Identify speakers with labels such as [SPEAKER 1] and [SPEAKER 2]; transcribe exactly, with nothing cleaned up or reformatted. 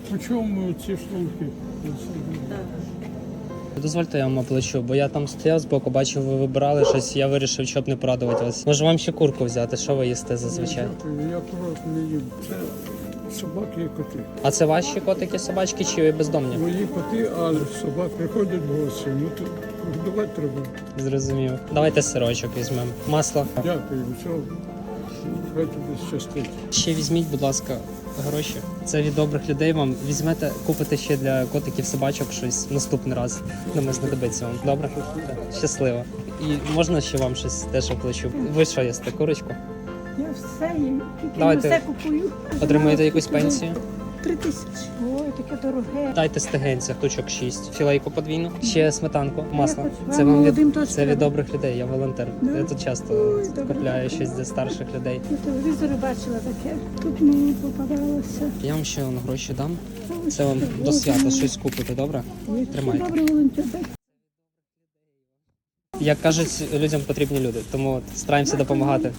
[SPEAKER 1] По чому ці штуки?
[SPEAKER 2] Дозвольте, я вам оплачу, бо я там стояв збоку, бачив, ви вибирали щось, я вирішив, щоб не порадувати вас. Може вам ще курку взяти, що ви їсте зазвичай?
[SPEAKER 1] Дякую, я просто не їм. Це собаки і коти.
[SPEAKER 2] А це ваші котики, собачки чи ви бездомні?
[SPEAKER 1] Мої коти, але собаки приходять в гості. Ну то годувати треба.
[SPEAKER 2] Зрозумів. Давайте сирочок візьмемо. Масло.
[SPEAKER 1] Дякую, все. Хай тобі щастить.
[SPEAKER 2] Ще візьміть, будь ласка, гроші. Це від добрих людей вам. Візьмете, купите ще для котиків, собачок щось наступний раз. Думаю, знадобиться вам. Добре? Щасливо. І можна ще вам щось теж оплачу. Ви що їсте? Курочку?
[SPEAKER 3] Я все їм, тільки
[SPEAKER 2] Давайте.
[SPEAKER 3] на все купую.
[SPEAKER 2] Отримуєте якусь пенсію?
[SPEAKER 3] Три тисячі. Ой, таке дороге.
[SPEAKER 2] Дайте стегенця, штучок шість. Філейку подвійну. Ще сметанку, масло.
[SPEAKER 3] хочу.
[SPEAKER 2] Це
[SPEAKER 3] Вам
[SPEAKER 2] вам
[SPEAKER 3] молодим
[SPEAKER 2] від,
[SPEAKER 3] теж
[SPEAKER 2] це від
[SPEAKER 3] треба?
[SPEAKER 2] добрих людей, я волонтер.
[SPEAKER 3] Да?
[SPEAKER 2] Я тут часто
[SPEAKER 3] Ой, добре.
[SPEAKER 2] купляю щось для старших людей.
[SPEAKER 3] На телевізорі бачила таке. Тут мені попадалося.
[SPEAKER 2] Я вам ще на гроші дам.
[SPEAKER 3] Ой,
[SPEAKER 2] Це вам
[SPEAKER 3] що
[SPEAKER 2] до свята
[SPEAKER 3] ви.
[SPEAKER 2] щось купите, добре?
[SPEAKER 3] Ой,
[SPEAKER 2] Тримайте.
[SPEAKER 3] Добрий волонтер.
[SPEAKER 2] Як кажуть, людям потрібні люди, тому от стараємося допомагати.